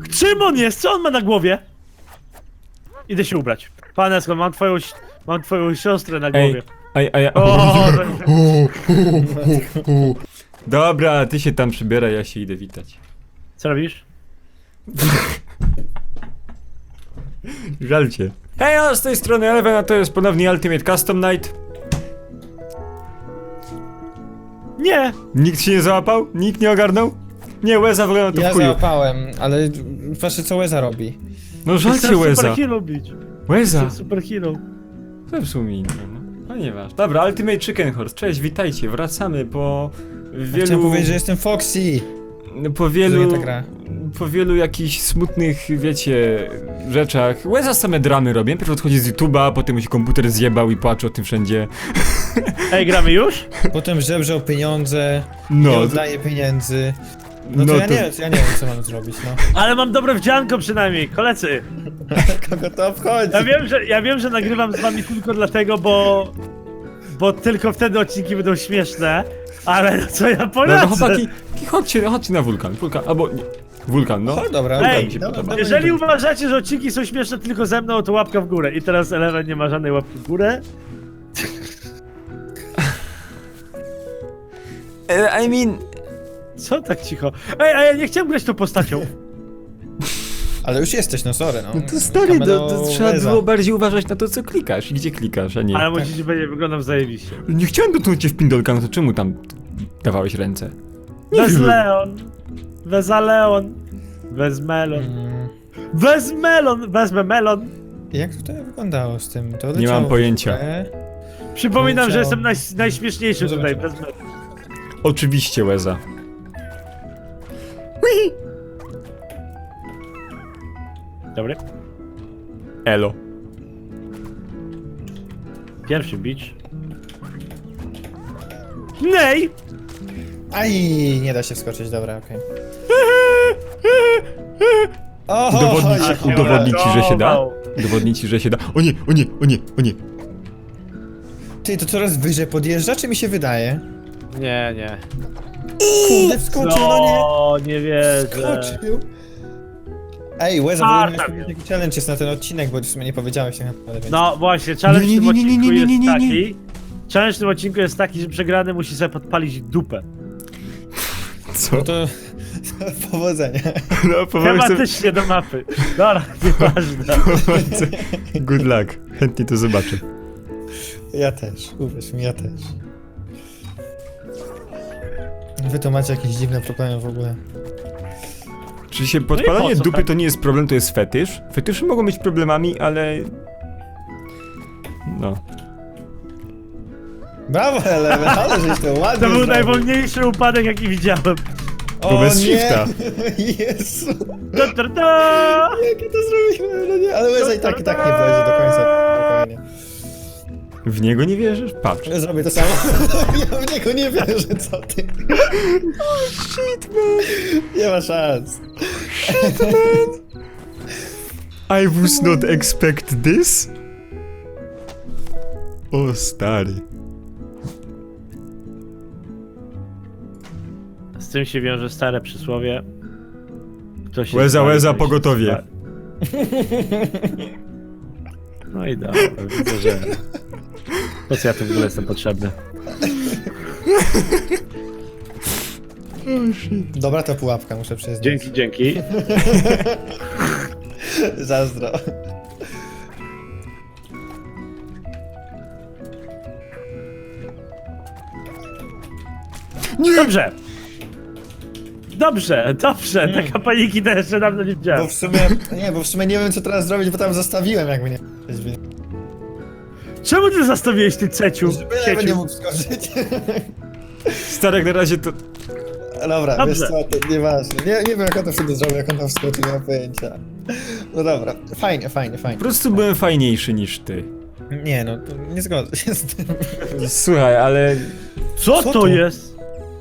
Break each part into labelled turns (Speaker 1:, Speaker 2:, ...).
Speaker 1: Czym on jest? Co on ma na głowie? Idę się ubrać. Panesko, mam twoją siostrę na głowie.
Speaker 2: Dobra, ty się tam przybieraj, ja się idę witać.
Speaker 1: Co robisz?
Speaker 2: Żal cię. Hej, z tej strony Eleven, a to jest ponownie Ultimate Custom Night.
Speaker 1: Nie!
Speaker 2: Nikt się nie załapał? Nikt nie ogarnął? Nie, Łeza wygląda to
Speaker 3: Ja
Speaker 2: w chuju.
Speaker 3: załapałem, ale patrzcie co Łeza robi.
Speaker 2: No żal cię,
Speaker 1: Chcę
Speaker 2: Łeza.
Speaker 1: superhero bić.
Speaker 2: Łeza.
Speaker 1: Chcę superhero.
Speaker 2: To w sumie inne, no. Ponieważ. Dobra, Ultimate Chicken Horse, cześć, witajcie, wracamy po wielu...
Speaker 3: Chciałem powiedzieć, że jestem Foxy.
Speaker 2: Po
Speaker 3: Że nie
Speaker 2: wielu...
Speaker 3: ta gra.
Speaker 2: Po wielu jakichś smutnych, wiecie, rzeczach. Łeza same dramy robię. Najpierw odchodzi z YouTube'a, potem mu się komputer zjebał i płacze o tym wszędzie.
Speaker 1: Ej, gramy już?
Speaker 3: Potem żebrze o pieniądze, nie
Speaker 2: No,
Speaker 3: oddaje pieniędzy. No to,
Speaker 2: No
Speaker 3: ja,
Speaker 2: to-
Speaker 3: Nie, ja nie wiem co mam zrobić, no.
Speaker 1: Ale mam dobre wdzianko przynajmniej, koledzy.
Speaker 3: Kogo to obchodzi?
Speaker 1: Ja wiem, że nagrywam z wami tylko dlatego, bo tylko wtedy odcinki będą śmieszne. Ale no co ja
Speaker 2: no,
Speaker 1: poradzę?
Speaker 2: chłopaki, chodźcie na wulkan. Wulkan, albo nie. Wulkan, no.
Speaker 3: O, dobra,
Speaker 2: Wulkan
Speaker 1: Ej,
Speaker 2: mi się
Speaker 3: dobra,
Speaker 2: podoba.
Speaker 3: dobra.
Speaker 1: Jeżeli uważacie, że odcinki są śmieszne tylko ze mną, to łapka w górę. I teraz Eleven nie ma żadnej łapki w górę.
Speaker 2: I mean...
Speaker 1: Co tak cicho? Ej, a ja nie chciałem grać tą postacią.
Speaker 3: Ale już jesteś, no sorry, no.
Speaker 2: No to stary,
Speaker 3: Kameno
Speaker 2: to trzeba
Speaker 3: Łeza.
Speaker 2: było bardziej uważać na to, co klikasz i gdzie klikasz, a nie...
Speaker 1: Ale musicie będzie wyglądam zajebiście.
Speaker 2: Nie chciałem dotknąć cię w pindolka, no to czemu tam dawałeś ręce?
Speaker 1: Wez
Speaker 2: wiem.
Speaker 1: Leon. Weza Leon. Wez Melon. Wez Melon. Wezmę melon.
Speaker 3: Jak to wyglądało z tym? To
Speaker 2: Nie
Speaker 3: leciało
Speaker 2: mam
Speaker 3: w
Speaker 2: pojęcia.
Speaker 3: górę.
Speaker 1: Przypominam, że
Speaker 3: Leciało.
Speaker 1: jestem najśmieszniejszy
Speaker 3: No
Speaker 1: tutaj.
Speaker 3: zobaczymy.
Speaker 1: Wez melon.
Speaker 2: Oczywiście, Łeza.
Speaker 1: Dobry.
Speaker 2: Elo.
Speaker 1: Pierwszy beach. Nej!
Speaker 3: Aj, nie da się wskoczyć, dobra, okej. O,
Speaker 2: Udowodnić ci, że się da? Udowodnić ci, że się da. O nie, o nie, o nie, o nie.
Speaker 3: Ty, to coraz wyżej podjeżdża, czy mi się wydaje?
Speaker 1: Nie.
Speaker 3: Kurde, wskoczył, no nie!
Speaker 1: O, nie wierzę.
Speaker 3: Skoczył! Ej, Łeza,
Speaker 1: Marta
Speaker 3: w ogóle taki challenge jest na ten odcinek, bo w sumie nie powiedziałeś tak naprawdę, więc...
Speaker 1: No właśnie, challenge w
Speaker 2: Nie,
Speaker 1: tym
Speaker 2: nie, nie, nie,
Speaker 1: odcinku
Speaker 2: nie, nie,
Speaker 1: jest
Speaker 2: nie, nie.
Speaker 1: taki. Challenge w tym odcinku jest taki, że przegrany musi sobie podpalić dupę.
Speaker 2: Co?
Speaker 3: No to... Powodzenia.
Speaker 2: No, powiem sobie...
Speaker 1: Tematycznie do mapy. Dobra, nieważne.
Speaker 2: Good luck. Chętnie to zobaczę.
Speaker 3: Ja też, uwierz mi, ja też. Wy to macie jakieś dziwne problemy w ogóle.
Speaker 2: Czy się podpalanie
Speaker 1: po co
Speaker 2: dupy
Speaker 1: tak?
Speaker 2: to nie jest problem, to jest fetysz? Fetysze mogą być problemami, ale... No.
Speaker 3: Brawo, Eleven, ale żeś to ładnie
Speaker 1: To był
Speaker 3: zrobił.
Speaker 1: najwolniejszy upadek, jaki widziałem.
Speaker 3: O
Speaker 2: bez
Speaker 3: nie!
Speaker 2: shifta.
Speaker 3: Jezu!
Speaker 1: Ta.
Speaker 3: Jakie to zrobiłem, no nie, ale Łeza i tak nie będzie do końca, spokojnie.
Speaker 2: W niego nie wierzysz? Patrz.
Speaker 3: Ja zrobię to samo. Ja w niego nie wierzę, co ty?
Speaker 2: Oh shit, man.
Speaker 3: Nie ma szans.
Speaker 2: I was not expect this? O stary.
Speaker 1: Z tym się wiąże stare przysłowie. Kto się
Speaker 2: Łeza,
Speaker 1: spali,
Speaker 2: łeza,
Speaker 1: ten się
Speaker 2: pogotowie.
Speaker 1: spali. No i dobra, widzę, że... Po co ja tu w ogóle jestem potrzebny?
Speaker 3: Dobra to pułapka, muszę przyznać.
Speaker 1: Dzięki.
Speaker 3: Zazdro.
Speaker 1: Dobrze, taka paniki też jeszcze dawno nie widziałem.
Speaker 3: Bo w sumie nie wiem co teraz zrobić, bo tam zostawiłem jakby nie...
Speaker 1: Czemu ty zastawiłeś ty ceciu?
Speaker 3: Żeby Eleven nie mógł wskoczyć.
Speaker 2: Stary, jak na razie to...
Speaker 3: Dobra,
Speaker 1: Dobrze.
Speaker 3: wiesz co, to nieważne. Nie wiem jak on to wtedy zrobił, jak on tam wskoczył, nie mam pojęcia. No dobra, fajnie.
Speaker 2: Po prostu byłem fajniejszy niż ty.
Speaker 3: Nie no, to nie zgodzę się z tym.
Speaker 2: Słuchaj, ale...
Speaker 1: Co
Speaker 3: Co
Speaker 1: to
Speaker 3: to?
Speaker 1: jest?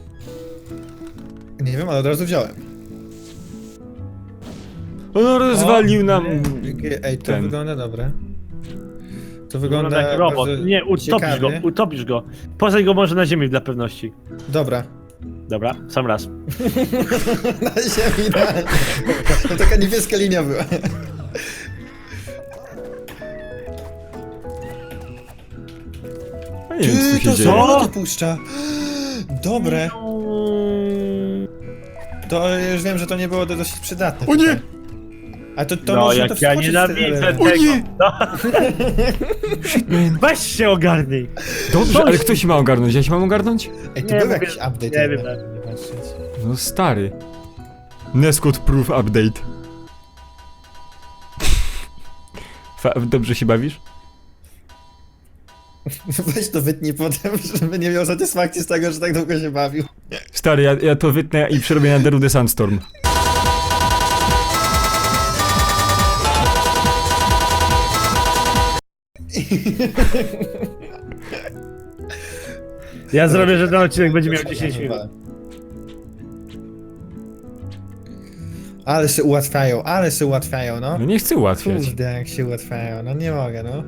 Speaker 3: Nie wiem, ale od razu wziąłem.
Speaker 2: On rozwalił nam...
Speaker 3: Ej, to
Speaker 2: ten.
Speaker 3: wygląda dobre. To
Speaker 1: Wygląda
Speaker 3: wygląda
Speaker 1: jak robot.
Speaker 3: bardzo
Speaker 1: Nie, utopisz
Speaker 3: ciekawie.
Speaker 1: go. Posadź go może na ziemi dla pewności.
Speaker 3: Dobra.
Speaker 1: Dobra, sam raz.
Speaker 3: Na ziemi, idealnie. To taka niebieska linia była.
Speaker 2: Ja nie wiem, co tu się
Speaker 3: to
Speaker 2: dzieje.
Speaker 3: co to puszcza? Dobre. To już wiem, że to nie było dosyć przydatne.
Speaker 2: O nie!
Speaker 3: tutaj. A to
Speaker 1: No
Speaker 3: można
Speaker 1: jak
Speaker 3: to
Speaker 1: ja
Speaker 3: wskoczyć
Speaker 1: nienawidzę
Speaker 3: z
Speaker 1: tego.
Speaker 2: O nie!
Speaker 1: No.
Speaker 2: Shit, man.
Speaker 1: Weź się ogarnij.
Speaker 2: Dobrze, ale kto się ma ogarnąć? Ja się mam ogarnąć?
Speaker 3: Ej, tu
Speaker 1: Nie,
Speaker 3: był
Speaker 1: mówię-
Speaker 3: jakiś update.
Speaker 1: nie wiem,
Speaker 3: jakby nie patrzeć.
Speaker 2: No stary. Nescode Proof Update. Dobrze się bawisz?
Speaker 3: Weź to wytnij potem, żeby nie miał satysfakcji z tego, że tak długo się bawił.
Speaker 2: Stary, ja to wytnę i przerobię na Derudę Sandstorm.
Speaker 1: Ja zrobię, że ten odcinek będzie miał 10 minut.
Speaker 3: Ale się ułatwiają, no.
Speaker 2: No nie chcę ułatwiać.
Speaker 3: Kurde, jak się ułatwiają, no nie mogę, no.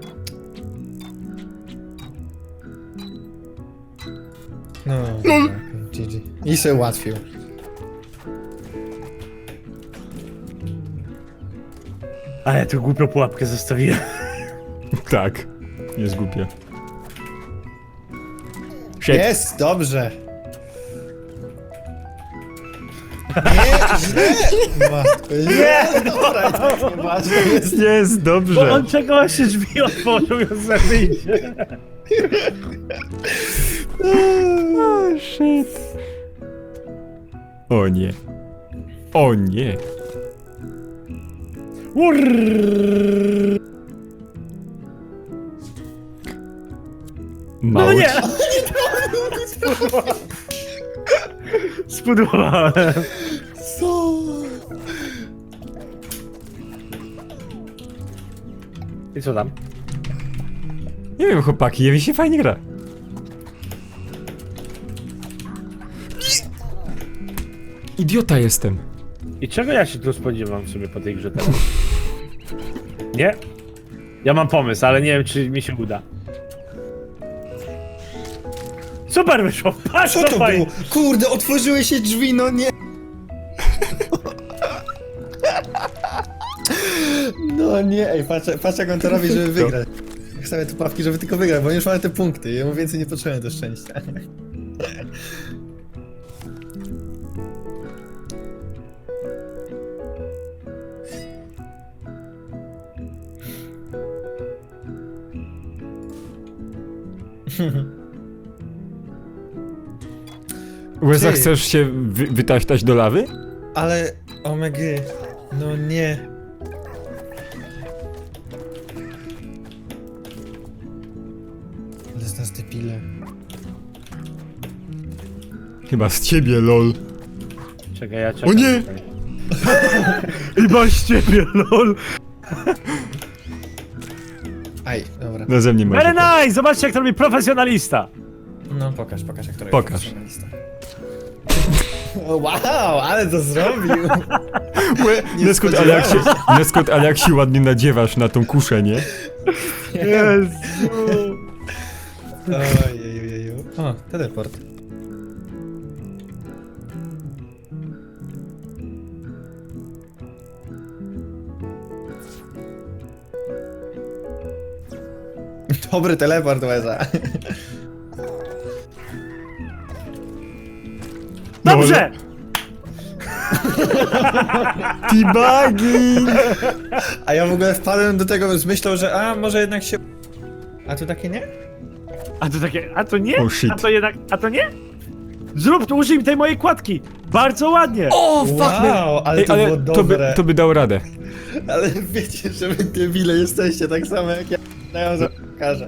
Speaker 3: No, GG. I się ułatwił.
Speaker 1: A ja tu głupią pułapkę zostawiłem.
Speaker 2: Tak. Jest głupie. Shit.
Speaker 3: Jest, dobrze. Nie, źle! Matko, nie, dobra, i tak nie ważne jest.
Speaker 2: Jest,
Speaker 1: Bo
Speaker 2: dobrze.
Speaker 1: on czego się drzwi otworzył i on wyjdzie.
Speaker 2: Oh, shit. O nie. O nie.
Speaker 1: No
Speaker 2: Mało
Speaker 1: nie!
Speaker 2: ci-
Speaker 1: Spudłowałem.
Speaker 3: Co?
Speaker 1: I co tam?
Speaker 2: Nie wiem, chłopaki, mi się fajnie gra. Idiota jestem.
Speaker 1: I czego ja się tu spodziewam sobie po tej grze teraz? Nie? Ja mam pomysł, ale nie wiem, czy mi się uda. Super wyszło! Patrz,
Speaker 3: Co to
Speaker 1: fajnie.
Speaker 3: było? Kurde, otworzyły się drzwi, no nie. No nie, ej, patrz jak on to robi, żeby wygrać. Stawię tu pawki, żeby tylko wygrać, bo już mamy te punkty. Ja mu więcej nie potrzebuję do szczęścia.
Speaker 2: Łeza,
Speaker 3: Ty.
Speaker 2: chcesz się wytaśtać do lawy?
Speaker 3: Ale, omegy, no nie. Ale z nas debile.
Speaker 2: Chyba z ciebie, lol.
Speaker 1: Czekaj, ja czekam.
Speaker 2: O nie!
Speaker 1: I masz ciebie, lol!
Speaker 3: Aj, dobra.
Speaker 2: No ze mnie masz.
Speaker 1: Very nice! Zobaczcie, jak to robi profesjonalista!
Speaker 3: No pokaż jak to robi
Speaker 2: Pokaż.
Speaker 3: profesjonalista. O, wow, ale to zrobił! Nie
Speaker 2: Neskut, ale jak się ładnie nadziewasz na tą kuszę, nie?
Speaker 1: Jezu!
Speaker 3: Ojejujeju. O, teleport. Dobry teleport, Łeza.
Speaker 1: Dobrze!
Speaker 2: T-bugging!
Speaker 3: A ja w ogóle wpadłem do tego z myślą, że może jednak się... A tu takie nie?
Speaker 1: A to takie, a to nie?
Speaker 2: Oh, shit.
Speaker 1: A to jednak, a to nie? Zrób, to użyj tej mojej kładki! Bardzo ładnie!
Speaker 2: O, fuck, man.
Speaker 3: Wow, ale
Speaker 2: Ej,
Speaker 3: to było
Speaker 2: ale
Speaker 3: dobre.
Speaker 2: to by dało radę.
Speaker 3: Ale wiecie, że wy debile jesteście tak samo jak ja. Ja wam pokażę.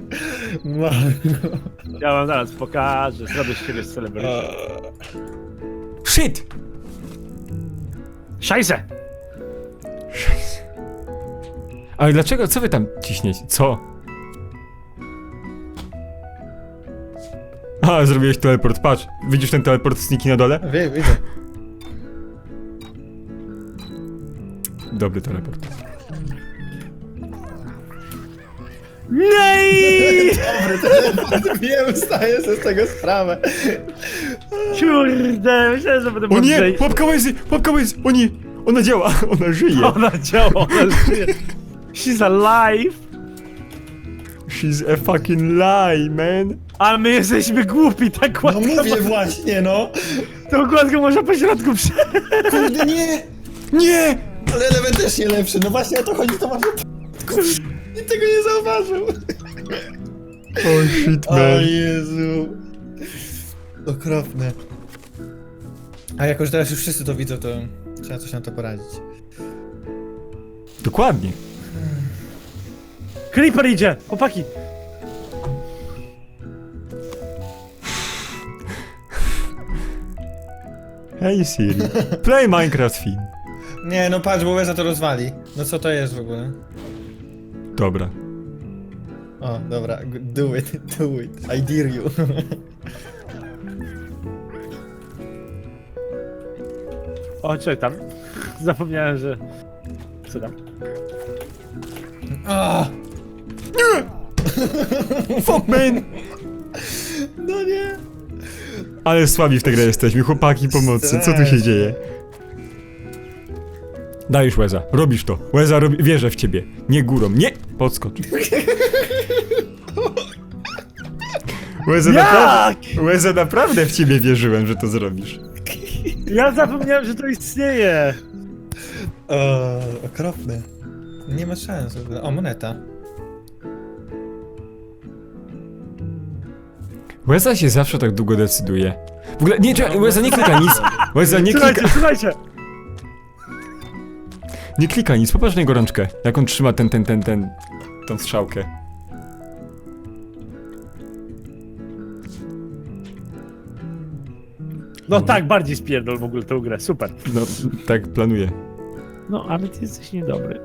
Speaker 1: Ja wam zaraz pokażę, zrobię z ciebie celebrytę.
Speaker 2: Shit!
Speaker 1: Szajse!
Speaker 2: Ale dlaczego? Co wy tam ciśniecie? Co? A, zrobiłeś teleport, patrz. Widzisz ten teleport sniki na dole?
Speaker 3: Widzę.
Speaker 2: Dobry teleport.
Speaker 1: Nej!
Speaker 3: Dobry teleport, wiem, zdaję sobie z tego sprawę.
Speaker 1: Kurde, myślałem, że będę
Speaker 2: O nie!
Speaker 1: mądrzejszy.
Speaker 2: Łapka łez! O nie! Ona działa! Ona żyje!
Speaker 1: Ona działa, ona żyje. She's alive.
Speaker 2: She's a fucking lie, man!
Speaker 1: Ale my jesteśmy głupi, tak
Speaker 3: No
Speaker 1: łatwo.
Speaker 3: mówię właśnie, no.
Speaker 1: Tą gładką można po środku przejść.
Speaker 3: Kurde, nie!
Speaker 2: Nie!
Speaker 3: Ale element też nie lepszy, no właśnie o to chodzi, to może... Nikt tego nie zauważył.
Speaker 2: Oh shit,
Speaker 3: O
Speaker 2: man.
Speaker 3: Jezu. Okropne. A jako, że teraz już wszyscy to widzą, to trzeba coś na to poradzić.
Speaker 2: Dokładnie.
Speaker 1: Creeper idzie, chłopaki.
Speaker 2: Hey Siri, play Minecraft film.
Speaker 3: Nie, no patrz, bo Łeza to rozwali. No co to jest w ogóle?
Speaker 2: Dobra.
Speaker 3: O, dobra, do it, do it. I dare you.
Speaker 1: O, czekaj tam. Zapomniałem, że... Co tam?
Speaker 3: Ah,
Speaker 2: Fuck, man!
Speaker 3: no nie.
Speaker 2: Ale słabi w tę grę jesteśmy, chłopaki pomocy, co tu się
Speaker 3: Strasznie.
Speaker 2: dzieje? Dajesz Łeza, robisz to. Łeza, wierzę w ciebie. Nie górą, nie! Podskocz. Łeza, Łeza, naprawdę w ciebie wierzyłem, że to zrobisz.
Speaker 1: Ja zapomniałem, że to istnieje.
Speaker 3: O, okropne. Nie ma szans w ogóle. O, moneta.
Speaker 2: Łeza się zawsze tak długo decyduje. W ogóle, nie, czekaj, Łeza nie klika nic. Łeza nie
Speaker 1: Słuchajcie,
Speaker 2: klika,
Speaker 1: słuchajcie.
Speaker 2: nie klika nic, popatrz na jego rączkę. Jak on trzyma tą strzałkę.
Speaker 1: No tak, bardziej spierdol w ogóle tę grę, super.
Speaker 2: No, tak planuję.
Speaker 1: No, ale ty jesteś niedobry.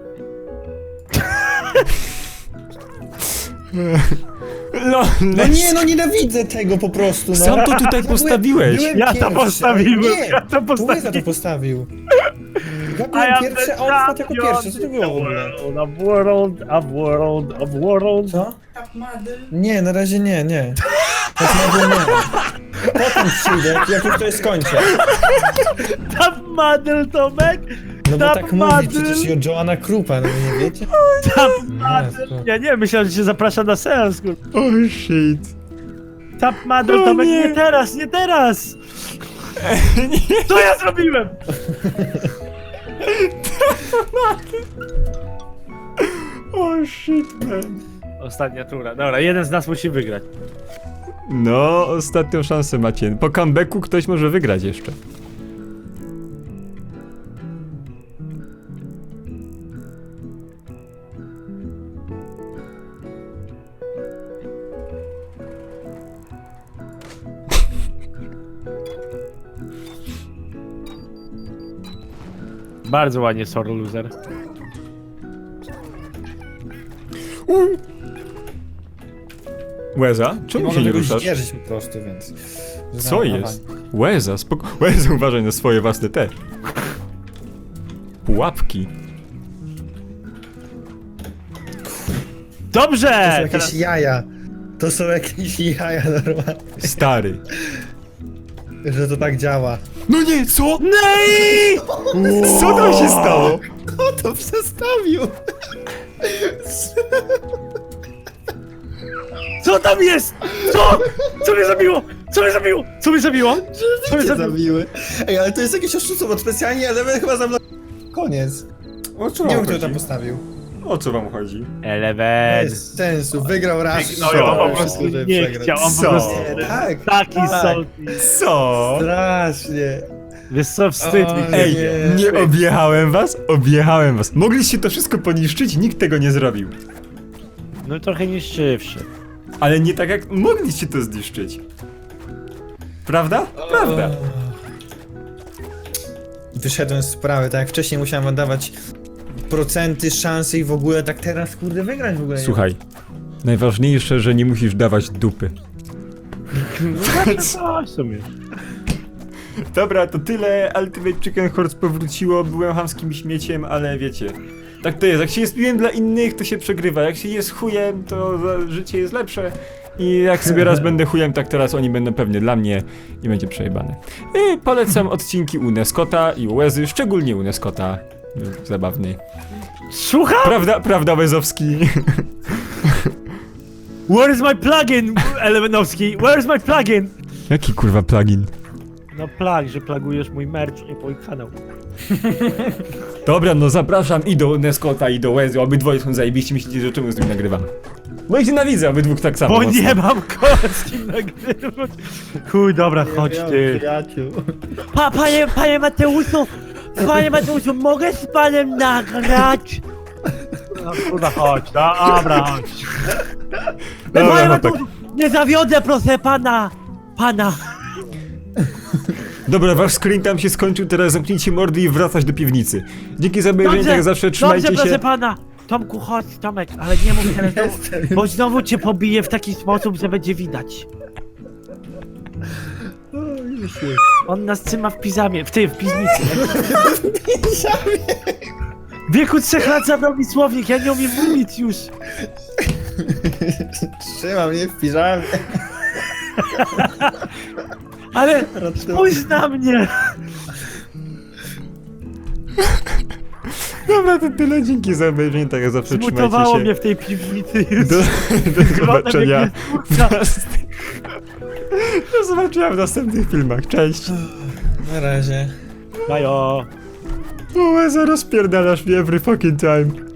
Speaker 3: No nie, no nienawidzę tego po prostu, no.
Speaker 2: Sam to tutaj postawiłeś.
Speaker 3: Byłem
Speaker 1: Ja to
Speaker 3: pierwszy,
Speaker 1: postawiłem,
Speaker 3: nie,
Speaker 1: ja to
Speaker 3: to Łeza to
Speaker 1: postawiłem.
Speaker 3: postawił. Ja
Speaker 1: I
Speaker 3: byłem
Speaker 1: am
Speaker 3: pierwszy,
Speaker 1: the
Speaker 3: a on wpadł jako
Speaker 1: champion
Speaker 3: pierwszy, co to było w ogóle?
Speaker 1: of world.
Speaker 3: Co? Nie, na razie nie, nie. Tak na razie nie. Potem przyjdę, jak już to skończę.
Speaker 1: Top model, Tomek!
Speaker 3: No bo
Speaker 1: Top
Speaker 3: tak mówi
Speaker 1: model.
Speaker 3: przecież i o Joanna Krupa, no nie wiecie?
Speaker 1: Top
Speaker 3: Jezu.
Speaker 1: model! Ja nie, myślałem, że cię zaprasza na seans, kur...
Speaker 2: Oh shit.
Speaker 1: Top model,
Speaker 2: O
Speaker 1: Tomek,
Speaker 2: nie.
Speaker 1: nie teraz, nie teraz! Co ja zrobiłem?
Speaker 2: Oh shit, man.
Speaker 1: Ostatnia tura, dobra, jeden z nas musi wygrać.
Speaker 2: No, ostatnią szansę macie. Po comebacku ktoś może wygrać jeszcze.
Speaker 1: Bardzo ładnie, sorry loser.
Speaker 2: Łeza?
Speaker 3: Nie
Speaker 2: Czemu się
Speaker 3: mogę
Speaker 2: nie
Speaker 3: tego
Speaker 2: ruszasz?
Speaker 3: zdzierżyć po prostu, więc...
Speaker 2: Co jest? Łeza, Łeza, uważaj na swoje własne te. Pułapki.
Speaker 3: To
Speaker 1: Dobrze!
Speaker 3: są jakieś
Speaker 1: Teraz...
Speaker 3: jaja. To są jakieś jaja normalnie,
Speaker 2: Stary.
Speaker 3: że to tak działa.
Speaker 2: No nie, co?
Speaker 1: Nej!
Speaker 2: Co tam się stało?
Speaker 3: Kto to przestawił?
Speaker 1: Co tam jest? Co? Co mnie zabiło? Co mnie zabiło? Co mnie zabiło? Co mnie
Speaker 3: Cię
Speaker 1: zabiło?
Speaker 3: zabiły. Ej, ale to jest jakieś oszustwo, bo specjalnie element chyba za mną... Koniec.
Speaker 2: O co
Speaker 3: Nie wiem,
Speaker 2: wam
Speaker 3: kto
Speaker 2: chodzi?
Speaker 3: tam postawił.
Speaker 2: O co wam chodzi?
Speaker 1: Eleven.
Speaker 3: Bez sensu, wygrał raz.
Speaker 1: No ja
Speaker 2: Co?
Speaker 1: po prostu
Speaker 3: żeby
Speaker 1: nie
Speaker 3: przegrać.
Speaker 1: chciał, on po
Speaker 2: Co?
Speaker 1: prostu...
Speaker 3: Tak,
Speaker 1: Taki
Speaker 3: tak.
Speaker 1: salty.
Speaker 2: Co?
Speaker 3: Strasznie.
Speaker 1: Wiesz co, wstyd mi.
Speaker 3: Oj.
Speaker 2: Ej,
Speaker 3: Nie.
Speaker 2: nie objechałem was? Objechałem was. Mogliście to wszystko poniszczyć, nikt tego nie zrobił.
Speaker 1: No trochę niszczywszy.
Speaker 2: Ale nie tak jak mogliście to zniszczyć. Prawda? Prawda.
Speaker 3: Wyszedłem z sprawy, tak jak wcześniej musiałem wam dawać procenty, szanse i w ogóle, tak teraz kurde wygrać w ogóle. nie.
Speaker 2: Słuchaj, najważniejsze, że nie musisz dawać dupy.
Speaker 1: No, w sumie.
Speaker 2: Dobra, to tyle. Ultimate Chicken Horse powróciło, byłem chamskim śmieciem, ale wiecie. Tak to jest, jak się jest miłym dla innych, to się przegrywa. Jak się jest chujem, to życie jest lepsze. I jak sobie raz będę chujem, tak teraz oni będą pewnie dla mnie i będzie przejebane. I polecam odcinki u Neskota i u Łezy, szczególnie u Neskota. Był zabawny.
Speaker 1: Słucham?
Speaker 2: Prawda, Łezowski?
Speaker 1: Where is my plugin, Elemenowski? Where is my plugin?
Speaker 2: Jaki kurwa plugin?
Speaker 1: No że plagujesz mój merch i mój kanał.
Speaker 2: Dobra, no zapraszam i do Neskota, i do Łezy. Obydwoje są zajebiści, myślicie, że czemu z nim nagrywam? Bo ich nienawidzę, obydwóch tak samo
Speaker 1: Bo
Speaker 2: mocno.
Speaker 1: nie mam kogo z kim nagrywać. Chuj, dobra, chodź ty.
Speaker 3: Przyjaciół.
Speaker 1: Panie Mateuszu, mogę z panem nagrać? No kurwa, chodź, dobra, chodź.
Speaker 2: Dobra,
Speaker 1: Panie
Speaker 2: no tak.
Speaker 1: Mateuszu, nie zawiodę, proszę pana.
Speaker 2: Dobra, wasz screen tam się skończył, teraz zamknijcie mordy i wracać do piwnicy. Dzięki za obejrzenie, tak jak zawsze, trzymajcie
Speaker 1: dobrze,
Speaker 2: się.
Speaker 1: proszę pana. Tomku, chodź, Tomek, ale nie mów teraz, bo znowu cię pobiję w taki sposób, że będzie widać. On nas trzyma w piżamie, w piwnicy. W wieku 3 lat zabrał mi słownik, ja nie umiem mówić już.
Speaker 3: Trzyma mnie w piżamie.
Speaker 1: Ale spójrz na mnie.
Speaker 2: Dobra, to tyle, dzięki za obejrzenie, tak jak zawsze, trzymajcie
Speaker 1: Zmutowało
Speaker 2: się.
Speaker 1: mnie w tej piwnicy już.
Speaker 2: Do zobaczenia.
Speaker 1: Kurwa.
Speaker 2: Do zobaczenia w następnych filmach, cześć.
Speaker 3: Na razie.
Speaker 1: Bajo.
Speaker 2: O, Łeza, rozpierdalasz mnie every fucking time.